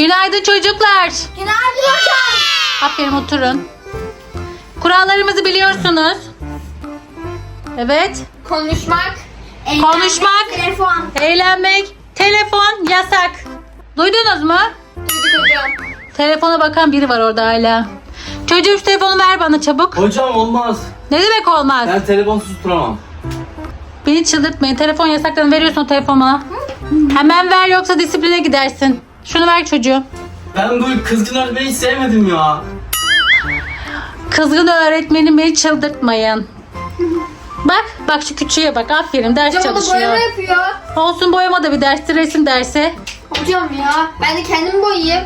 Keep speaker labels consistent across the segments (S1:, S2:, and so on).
S1: Günaydın çocuklar.
S2: Günaydın hocam.
S1: Aferin, oturun. Kurallarımızı biliyorsunuz. Evet.
S2: Konuşmak.
S1: Konuşmak.
S2: Telefon.
S1: Eğlenmek. Telefon yasak. Duydunuz mu?
S2: Duyduk hocam.
S1: Telefona bakan biri var orada hala. Çocuğum şu telefonu ver bana çabuk.
S3: Hocam olmaz.
S1: Ne demek olmaz?
S3: Ben telefonsuz duramam.
S1: Beni çıldırtmayın. Telefon yasaklarını veriyorsun o telefonu bana. Hemen ver yoksa disipline gidersin. Şunu ver çocuğum.
S3: Ben bu kızgın öğretmeni hiç sevmedim ya.
S1: Kızgın öğretmenim, beni çıldırtmayın. Bak şu küçüğe bak. Aferin, ders
S2: Hocam o da
S1: çalışıyor.
S2: boyama yapıyor.
S1: Olsun, boyama da bir dersi, resim dersi.
S2: Hocam ya ben de kendimi boyayayım.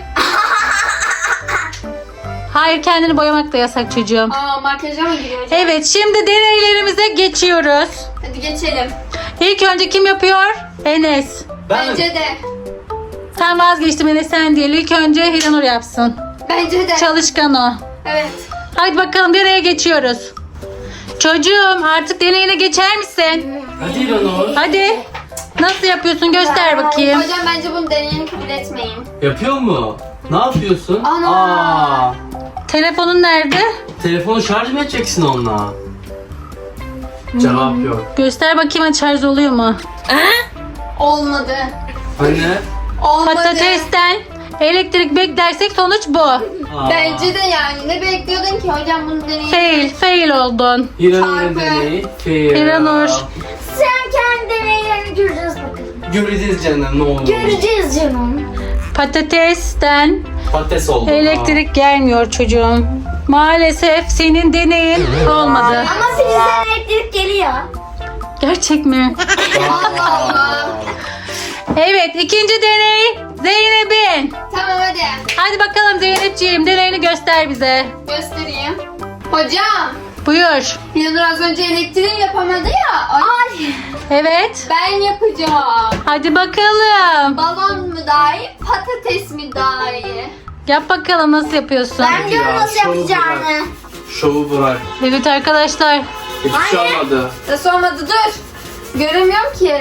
S1: Hayır, kendini boyamak da yasak çocuğum.
S2: Aa makyaja mı giriyor hocam?
S1: Evet, şimdi deneylerimize geçiyoruz.
S2: Hadi geçelim.
S1: İlk önce kim yapıyor? Enes.
S2: Bence de.
S1: Sen vazgeçtim, Enes sen değil. İlk önce Hiranur yapsın.
S2: Bence de.
S1: Çalışkan o.
S2: Evet.
S1: Hadi bakalım, deneye geçiyoruz. Çocuğum, artık deneyine geçer misin?
S3: Hadi İranur.
S1: Hadi. Nasıl yapıyorsun, göster bakayım.
S2: Hocam bence bunu deneyeni kabul etmeyin.
S3: Yapıyor mu? Ne yapıyorsun?
S2: Ana.
S1: Telefonun nerede?
S3: Telefonu şarj mı edeceksin onunla? Cevap yok.
S1: Göster bakayım, hadi şarj oluyor mu?
S2: Olmadı.
S3: Anne.
S2: Olmadı.
S1: Patatesten elektrik beklersek sonuç bu.
S3: Aa.
S2: Bence de yani. Ne bekliyordun ki hocam bunu deneyin?
S1: Fail oldun.
S3: İranur'un
S2: Çarpı.
S3: deneyi.
S1: İranur.
S4: Sen kendi deneylerini göreceğiz bakalım.
S3: Göreceğiz canım, ne olur.
S4: Göreceğiz canım.
S1: Patatesten
S3: Patates oldu.
S1: elektrik gelmiyor çocuğum. Maalesef senin deneyin olmadı.
S4: Ama filizden elektrik geliyor.
S1: Gerçek mi?
S2: Allah Allah.
S1: Evet, ikinci deney Zeynep'in.
S2: Tamam hadi.
S1: Hadi bakalım Zeynepciğim, deneyini göster bize.
S2: Göstereyim. Hocam.
S1: Buyur.
S2: Yanur az önce elektriği yapamadı ya. Ay.
S1: Evet.
S2: Ben yapacağım.
S1: Hadi bakalım.
S2: Balon mu daha iyi, patates mi daha iyi?
S1: Yap bakalım, nasıl yapıyorsun?
S4: Ben diyorum
S3: Ya,
S4: nasıl
S3: şovu
S4: yapacağını.
S3: bırak. Şovu bırak.
S1: Evet arkadaşlar.
S3: Hiçbir şey olmadı.
S2: Nasıl olmadı, dur. Göremiyorum ki.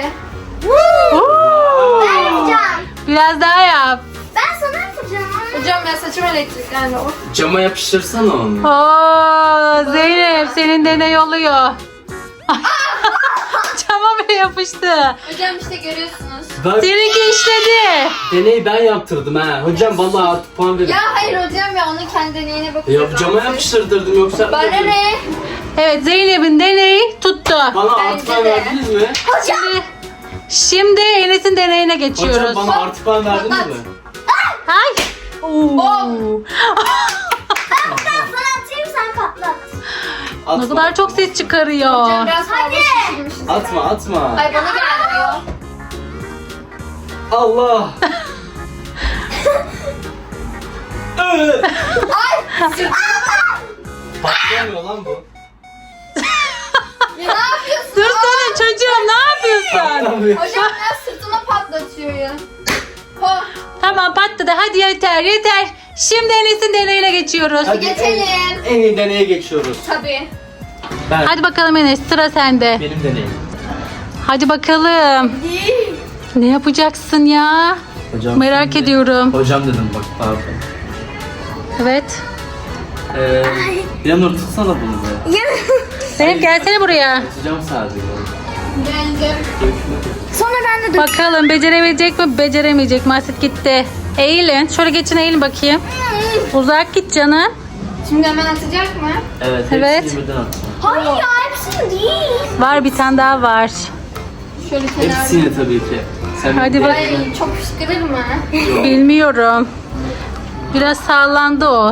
S4: Ben yapacağım.
S1: Biraz daha yap.
S4: Ben sana yapacağım.
S2: Hocam ben saçım elektriklendi. Of.
S3: Cama yapıştırsana onu.
S1: Oo, Zeynep senin deney oluyor. Çama bile yapıştı.
S2: Hocam işte görüyorsunuz.
S3: Bak,
S1: Seninki işledi.
S3: deneyi ben yaptırdım ha. Hocam vallahi artık puan verin.
S2: Ya hayır hocam ya onun kendi deneyine bakıyor.
S3: Ya cama yapıştırdım yoksa.
S2: Bana ne?
S1: Evet, Zeynep'in deneyi tuttu.
S3: Bana
S2: Bence
S3: artı puan
S2: de.
S3: verdiniz mi?
S1: Şimdi Enes'in deneyine geçiyoruz.
S3: Hocam bana artı puan verdiniz
S2: Patlat.
S3: mi?
S1: Ay. Oo.
S4: Ben sana atayım sen patlat.
S3: Atma.
S1: Ne kadar çok ses çıkarıyor.
S2: Hocam biraz fazla şişirmişiz.
S3: Atma atma.
S2: Ay bana gelmiyor.
S3: Allah. Patlamıyor lan bu.
S2: Ya ne yapıyorsun?
S1: Dursana çocuğum, ne yapıyorsun?
S3: Patlamıyor.
S2: Hocam biraz sırtıma patlatıyor ya. Ho.
S1: Tamam, patladı. Hadi yeter. Şimdi Enes'in deneyine geçiyoruz.
S3: Hadi
S2: Geçelim.
S3: En iyi deneye geçiyoruz.
S2: Tabii.
S3: Ben.
S1: Hadi bakalım Enes, sıra sende.
S3: Benim deneyim.
S1: Hadi bakalım. Ne yapacaksın ya?
S3: Hocam
S1: Merak
S3: şimdi-
S1: ediyorum.
S3: Hocam dedim bak pardon.
S1: Evet.
S3: Yanur tutsana bunu be.
S1: Zeynep gelsene buraya.
S3: Tutacağım sadece.
S2: Geldim.
S4: Sonra ben de
S1: Bakalım becerebilecek mi, beceremeyecek mi? Asit gitti. Eğilin. Şöyle geçin, eğilin bakayım. Uzak git canım.
S2: Şimdi hemen atacak mı?
S3: Evet.
S1: Evet.
S3: Hepsini birden atacağım.
S4: Hayır ya hepsini değil.
S1: Var, bir tane daha var.
S2: Şöyle kenarda.
S3: Hepsini tabii ki. Sen
S1: Hadi bak.
S2: Ay çok fışkırır mı?
S3: Yok.
S1: Bilmiyorum. Biraz sallandı o.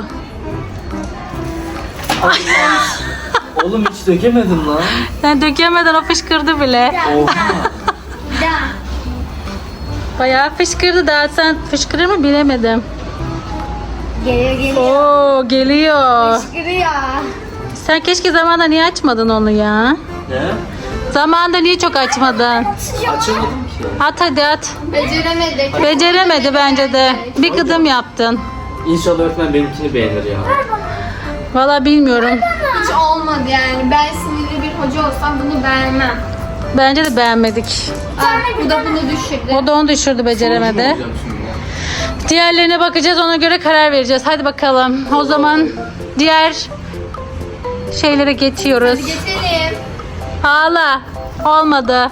S3: Oğlum hiç dökemedim lan.
S1: Sen dökemeden o fışkırdı bile.
S3: Oha.
S4: Bir daha.
S1: Bayağı fışkırdı. Daha sen fışkırır mı bilemedim.
S4: Geliyor.
S1: Oo, geliyor.
S4: Fışkırıyor.
S1: Sen keşke zamanında niye açmadın onu ya?
S3: Ne?
S1: Zamanında niye çok açmadın?
S3: Açamadım ki.
S1: At hadi at.
S2: Beceremedik.
S1: Beceremedi bence de. Bir gıdım yaptın.
S3: İnşallah öğretmen benimkini beğenir ya.
S1: Valla bilmiyorum.
S2: Hiç olmadı yani. Ben sinirli bir hoca olsam bunu beğenmem.
S1: Bence de beğenmedik.
S2: Bu da bunu düşürdü.
S1: O da onu düşürdü, beceremedi.
S3: Sonucu mu olacağım şimdi?
S1: Diğerlerine bakacağız, ona göre karar vereceğiz. Hadi bakalım. O zaman diğer şeylere geçiyoruz.
S2: Geçelim.
S1: Ağla. Olmadı.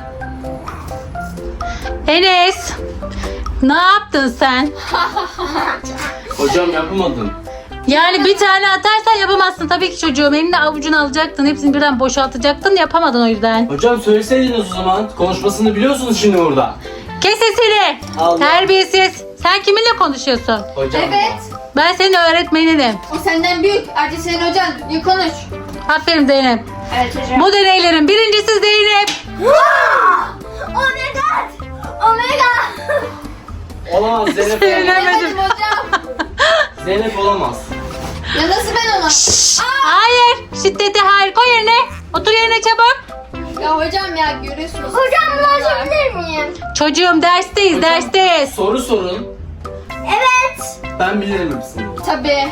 S1: Enes. Ne yaptın sen?
S3: Hocam yapamadım.
S1: Yani bir tane atarsan yapamazsın tabii ki çocuğum. Elini avucuna alacaktın. Hepsini birden boşaltacaktın. Yapamadın o yüzden.
S3: Hocam söyleseydiniz o zaman. Konuşmasını biliyorsunuz şimdi burada.
S1: Kes sesini.
S3: Allah.
S1: Terbiyesiz. Sen kiminle konuşuyorsun?
S3: Hocam.
S2: Evet.
S1: Ben senin öğretmeninim.
S2: O senden büyük. Ayrıca senin hocan. İyi konuş.
S1: Aferin Zeynep.
S2: Evet hocam.
S1: Bu deneylerin birincisi Zeynep.
S4: Oh my god. Oh my god.
S3: Olamaz Zeynep olamaz.
S2: Bilemedim hocam.
S3: Zeynep olamaz.
S2: Ya nasıl ben ona?
S1: Hayır. Şiddete hayır. Koy yerine. Otur yerine çabuk.
S2: Ya hocam ya görüyorsunuz.
S4: Hocam bunu açabilir miyim?
S1: Çocuğum dersteyiz.
S3: Hocam,
S1: Dersteyiz.
S3: Soru sorun.
S4: Evet.
S3: Ben bilirim hepsini.
S2: Tabii.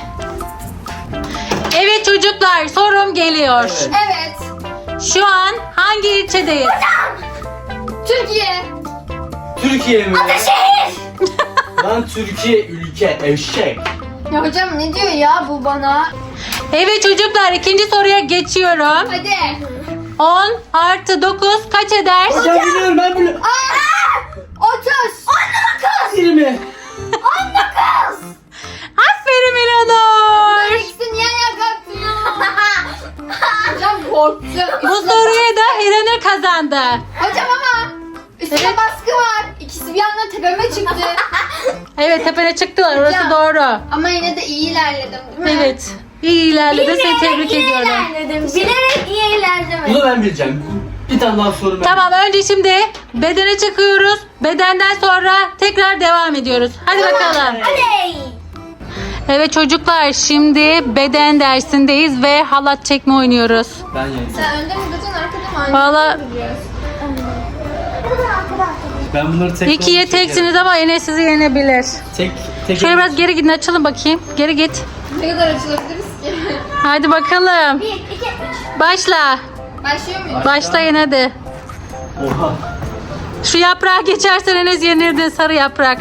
S1: Evet çocuklar, sorum geliyor.
S3: Evet.
S2: Evet.
S1: Şu an hangi ilçedeyiz?
S2: Türkiye.
S3: Türkiye mi?
S4: Şehir.
S3: Lan Türkiye ülke eşek.
S2: Ya hocam ne diyor ya bu bana?
S1: Evet çocuklar, ikinci soruya geçiyorum.
S2: Hadi.
S1: 10 artı 9 kaç eder?
S3: Hocam biliyorum ben biliyorum.
S2: 30.
S3: 20.
S1: Aferin İlhanur.
S2: İkisi niye ayağa kalktın ya? Hocam korktum.
S1: Bu soruyu da İlhanur kazandı.
S2: Hocam ama üstüne
S1: Evet.
S2: baskı var. İkisi bir anda tepeme çıktı.
S1: Evet, tepene çıktılar, orası
S2: Hocam.
S1: doğru.
S2: Ama yine de iyi ilerledim değil mi?
S1: Evet, iyi ilerledin, seni tebrik
S4: iyi
S1: ediyorum.
S4: ilerledim. Bilerek iyi ilerledim.
S3: Bunu ben bileceğim. Bir tane daha soru ben.
S1: Tamam, önce şimdi bedene çıkıyoruz. Bedenden sonra tekrar devam ediyoruz. Hadi bakalım.
S4: Hadi.
S1: Evet çocuklar, şimdi beden dersindeyiz ve halat çekme oynuyoruz.
S3: Ben yeneceğim.
S2: Sen önde mi duracaksın arkada mı?
S1: Valla
S3: Ben bunları tek
S1: ikiye teksiniz ama Enes sizi yenebilir.
S3: Tek
S1: Şöyle biraz geri gidin, açılın bakayım. Geri git.
S2: Ne kadar açılabiliriz ki?
S1: Hadi bakalım.
S4: 1, 2, 3.
S1: Başla.
S2: Başlıyor muyuz?
S1: Başlayın hadi.
S3: Oha.
S1: Şu yaprağı geçersen Enes yenirdin, sarı yaprak.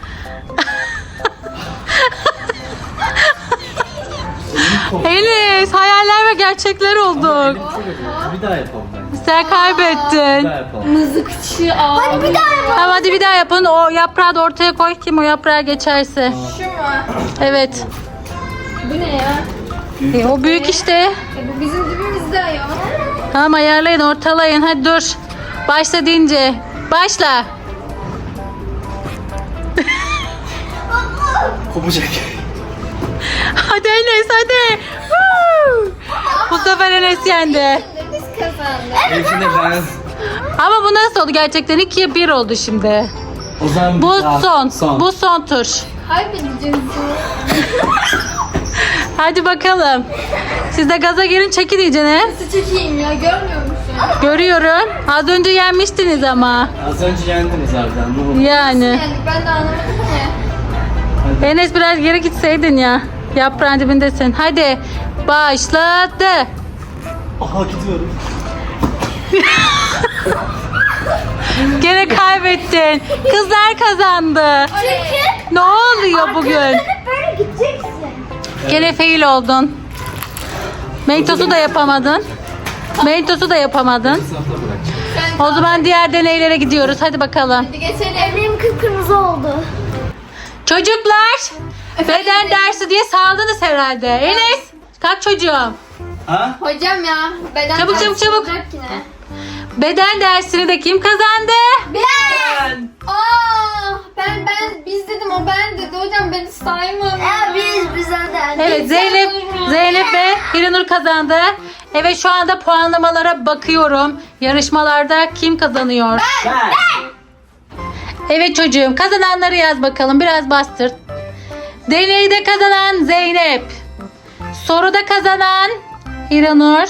S1: Enes, hayaller ve gerçekler olduk.
S3: Bir daha yapalım ben.
S1: Sen
S3: Bir
S1: kaybettin.
S3: daha yapalım.
S2: Mızıkçı abi.
S4: Hadi bir daha yapalım.
S1: Tamam hadi bir daha yapın. O yaprağı da ortaya koy. Kim o yaprağı geçerse.
S2: Şu mu?
S1: Evet.
S2: Bu ne ya?
S1: O büyük işte.
S2: Bu bizim dibimizde ya.
S1: Tamam, ayarlayın, ortalayın. Hadi dur. Başla deyince. Başla.
S3: Kopacak.
S1: Hadi Enes hadi. Woo! Bu sefer Enes yendi.
S2: Şimdi biz kazandık.
S3: Hepsinde ben.
S1: Ama bu nasıl oldu gerçekten? 2'ye 1 oldu şimdi.
S3: O zaman
S1: Bu
S3: bir daha.
S1: son. Bu son tur.
S2: Kaybedeceğiz.
S1: Hadi bakalım. Siz de gaza gelin, çekin iyicene.
S2: Nasıl çekeyim ya görmüyor musun?
S1: Görüyorum. Az önce yenmiştiniz ama.
S3: Az önce yendiniz harbiden. Ne oldu?
S1: Yani.
S2: Yani ben de anlamadım ki.
S1: Enes biraz geri gitseydin ya. Yaprağın dibindesin. Hadi. Başladı.
S3: Aha gidiyorum.
S1: Gene kaybettin. Kızlar kazandı.
S2: Çünkü
S1: Ne oluyor bugün?
S4: Hep böyle gideceksin.
S1: Gene fail oldun. Mentos'u da yapamadın. Mentos'u da yapamadın.
S3: Sınıfta bırak.
S2: sen
S1: O zaman diğer deneylere gidiyoruz. Hadi bakalım.
S2: hadi geçelim.
S4: Benim kıpkırmızı oldu.
S1: Çocuklar, beden dersi diye saldınız herhalde. Enes, kalk çocuğum.
S3: Ha?
S2: Hocam ya beden
S1: Çabuk,
S2: dersi
S1: çabuk, çabuk.
S2: olacak yine.
S1: Beden dersini de kim kazandı?
S2: Ben. Biz dedim o ben dedi hocam beni saymam.
S4: Biz zaten.
S1: Evet, Zeynep ve Hiranur kazandı. Evet, şu anda puanlamalara bakıyorum. Yarışmalarda kim kazanıyor?
S3: Ben.
S1: Evet çocuğum, kazananları yaz bakalım. Biraz bastır. Deneyde kazanan Zeynep. Soruda kazanan Hiranur.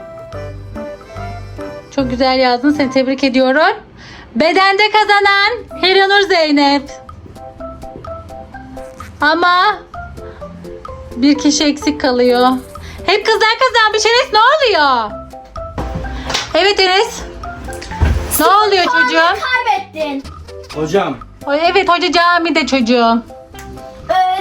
S1: Çok güzel yazdın. Seni tebrik ediyorum. Bedende kazanan Hiranur Zeynep. Ama bir kişi eksik kalıyor. Hep kızlar kazanmış. Enes ne oluyor? Evet Enes. Ne oluyor çocuğum?
S4: Kaybettin.
S3: Hocam.
S1: Evet, hoca camide çocuğum.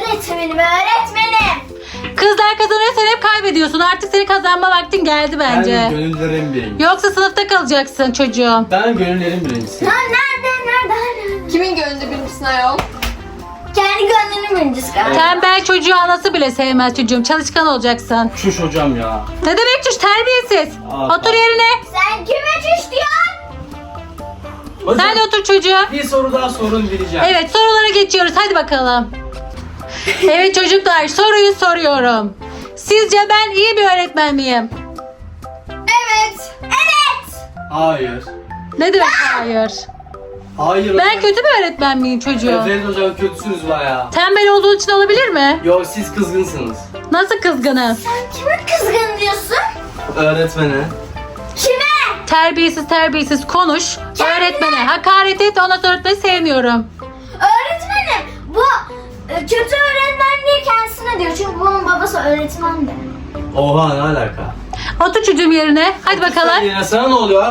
S4: öğretmenim.
S1: Kızlar kazanıyor, sen hep kaybediyorsun. Artık seni kazanma vaktin geldi
S3: Ben
S1: bence.
S3: gönüllerin biriyim.
S1: Yoksa sınıfta kalacaksın çocuğum.
S3: Ben gönüllerin birincisiyim.
S4: Lan nerede?
S2: Kimin gönlünde birincisin ayol?
S4: Kendi gönlünün birincisi galiba.
S1: Tembel çocuğu anası bile sevmez çocuğum. Çalışkan olacaksın.
S3: Şuş hocam ya.
S1: Ne demek çüş, terbiyesiz.
S3: Aa,
S1: Otur yerine.
S4: Sen kime çüş diyorsun?
S3: Hocam,
S1: Sen de otur çocuğum.
S3: bir soru daha sorun bileceğim.
S1: Evet, sorulara geçiyoruz. Hadi bakalım. Evet çocuklar, soruyu soruyorum. Sizce ben iyi bir öğretmen miyim?
S2: Evet.
S3: Hayır.
S1: Ne demek hayır?
S3: Hayır
S1: Ben
S3: hocam.
S1: kötü bir öğretmen miyim çocuğum?
S3: Evet hocam, kötüsünüz bayağı.
S1: Tembel olduğu için olabilir mi?
S3: Yok, siz kızgınsınız.
S1: Nasıl kızgınım?
S4: Sen kime kızgın diyorsun?
S3: Öğretmene.
S4: Kime?
S1: Terbiyesiz konuş. Öğretmene hakaret et, ondan sonra öğretmeni sevmiyorum.
S4: Öğretmenim bu kötü öğretmen diye kendisine diyor. Çünkü bunun babası öğretmen de.
S3: Oha, ne alaka?
S1: Otur çocuğum yerine. Hadi bakalım.
S3: Yine sana ne oluyor?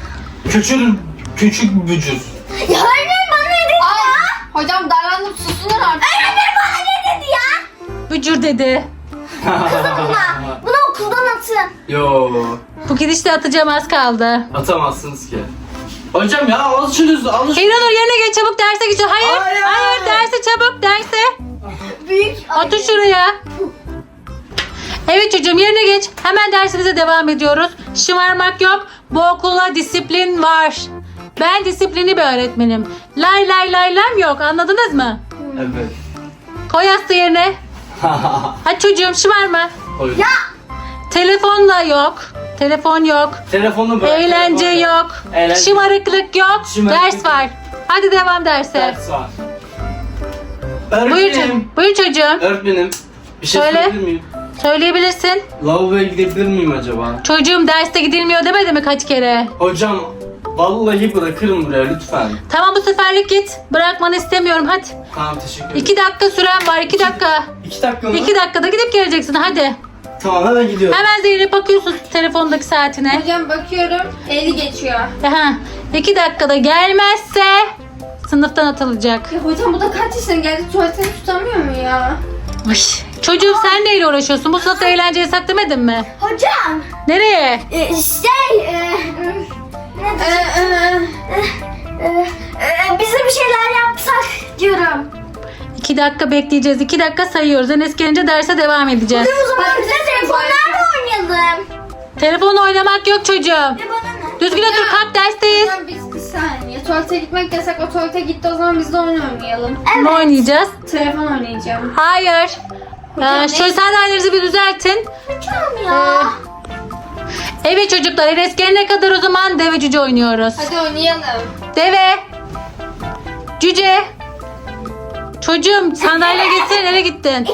S3: Küçük bücür.
S4: Ya öğretmenim bana ne dedi ya?
S2: Hocam davranıp susunlar artık.
S4: Öğretmenim bana ne dedi ya?
S1: Bücür dedi.
S4: Bunu okuldan atın.
S3: Yo,
S1: Bu gidişle atacağım, az kaldı.
S3: atamazsınız ki. Hocam ya, alışınız, alış.
S1: İranur yerine geç, çabuk derse geç. Hayır,
S3: Hayır.
S1: hayır, derse çabuk, derse.
S4: Büyük.
S1: Otur şuraya. Evet çocuğum, yerine geç. Hemen dersimize devam ediyoruz. Şımarmak yok. Bu okulda disiplin var. Ben disiplinli bir öğretmenim. Lay lay lay lam yok. Anladınız mı?
S3: Evet.
S1: Koy yastığı yerine. Hadi çocuğum, şımarma.
S3: Oyun.
S1: Telefonla yok. Telefon yok.
S3: Telefonu bırak.
S1: Eğlence
S3: telefonu
S1: yok.
S3: Eğlence-
S1: Şımarıklık yok.
S3: Şımarıklık
S1: Ders var. Hadi devam derse.
S3: Ders var.
S1: Buyur
S3: Öğretmenim.
S1: çocuğum. Buyur çocuğum.
S3: Öğretmenim. Bir şey
S1: Söyle.
S3: söyleyebilir miyim?
S1: Söyleyebilirsin.
S3: Lavaboya gidebilir miyim acaba?
S1: Çocuğum, derste gidilmiyor demedi mi kaç kere?
S3: Hocam, vallahi bırakırım buraya lütfen.
S1: Tamam, bu seferlik git. Bırakmanı istemiyorum, hadi.
S3: Tamam, teşekkür ederim.
S1: 2 dakika süren var, 2 dakika.
S3: 2 dakika mı?
S1: 2 dakikada gidip geleceksin, hadi.
S3: Tamam, hemen gidiyorum.
S1: Hemen Zeynep bakıyorsun telefondaki saatine.
S2: Hocam bakıyorum 50 geçiyor.
S1: Aha, 2 dakikada gelmezse sınıftan atılacak.
S2: Ya hocam bu da kaç yaşına geldi, tuvaletini tutamıyor mu ya?
S1: Ay, çocuğum sen neyle uğraşıyorsun? Bu sınıfta eğlence yasak demedin mi?
S4: Hocam.
S1: Nereye?
S4: Ne bize bir şeyler yapsak diyorum.
S1: 2 dakika bekleyeceğiz. 2 dakika sayıyoruz. Enes gelince derse devam edeceğiz.
S4: O zaman bize telefonlarla oynayalım.
S1: Telefon oynamak yok çocuğum.
S4: Bana ne?
S1: Düzgün otur, kalk, dersteyiz.
S2: Hocam biz bir saniye. Tuvalete gitmek yasak, o tuvalete gitti, o zaman biz de oyun oynayalım.
S1: Ne oynayacağız?
S2: Telefon oynayacağım.
S1: Hayır.
S2: Hocam,
S1: Şöyle sandalyelerinizi bir düzeltin.
S4: Hocam ya.
S1: Evet çocuklar, Enes gelene kadar o zaman deve cüce oynuyoruz.
S2: Hadi oynayalım.
S1: Deve. Cüce. Çocuğum sandalye gitsene, nereye gittin?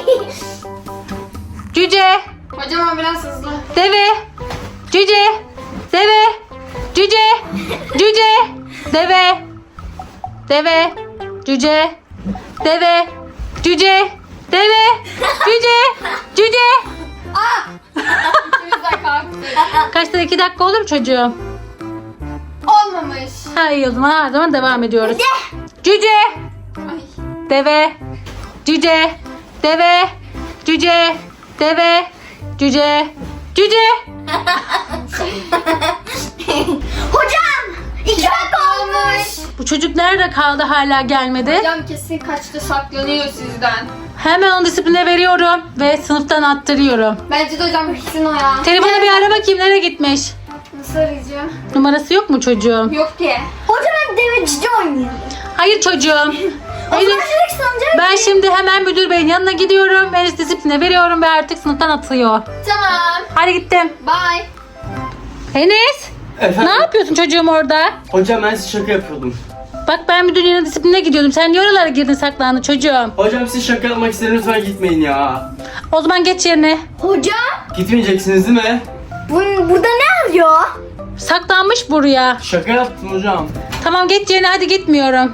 S1: Cüce.
S2: Hocam ama biraz hızlı.
S1: Deve. Cüce. Deve. Cüce. Cüce. Deve. Deve. Cüce. Deve. Cüce. Deve. Cüce. Cüce.
S2: İkimiz de kalktık.
S1: Kaçta, 2 dakika olur mu çocuğum?
S2: Olmamış.
S1: Ha, iyi o zaman, her zaman devam ediyoruz. Cüce.
S2: Ay.
S1: Deve. Cüce. Deve. Cüce. Deve. Cüce. Cüce.
S4: Hocam. 2 dakika olmuş.
S1: Bu çocuk nerede kaldı, hala gelmedi?
S2: Hocam kesin kaçtı, saklanıyor sizden.
S1: Hemen onu disipline veriyorum ve sınıftan attırıyorum.
S2: Bence de hocam gitsin o ya.
S1: Telefonu bir ara bakayım, nereye gitmiş?
S2: Nasıl arayacağım?
S1: Numarası yok mu çocuğum?
S2: Yok ki.
S4: Hocam hadi devecici oynayalım.
S1: Hayır çocuğum.
S4: O zaman direkt sanacak.
S1: Ben şimdi hemen müdür beyin yanına gidiyorum. Enes disipline veriyorum ve artık sınıftan atıyor.
S2: Tamam.
S1: Hadi gittim.
S2: Bye.
S1: Enes,
S3: Efendim?
S1: ne yapıyorsun çocuğum orada?
S3: Hocam, ben size şaka yapıyordum.
S1: Bak, ben müdür yanına disipline gidiyordum. Sen niye oralara girdin, saklandın çocuğum?
S3: Hocam, siz şaka yapmak istedim, lütfen gitmeyin ya.
S1: O zaman geç yerine.
S4: Hocam.
S3: Gitmeyeceksiniz değil mi?
S4: Burada ne arıyor?
S1: Saklanmış buraya.
S3: Şaka yaptım hocam.
S1: Tamam, geç yerine, hadi gitmiyorum.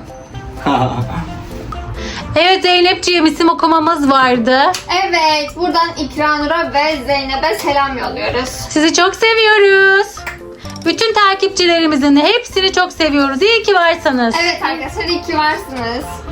S1: Evet Zeynepciğim, isim okumamız vardı.
S2: Evet, buradan İkranur'a ve Zeynep'e selam yolluyoruz.
S1: Sizi çok seviyoruz. Bütün takipçilerimizin hepsini çok seviyoruz. İyi ki varsanız.
S2: Evet arkadaşlar, iyi ki varsınız.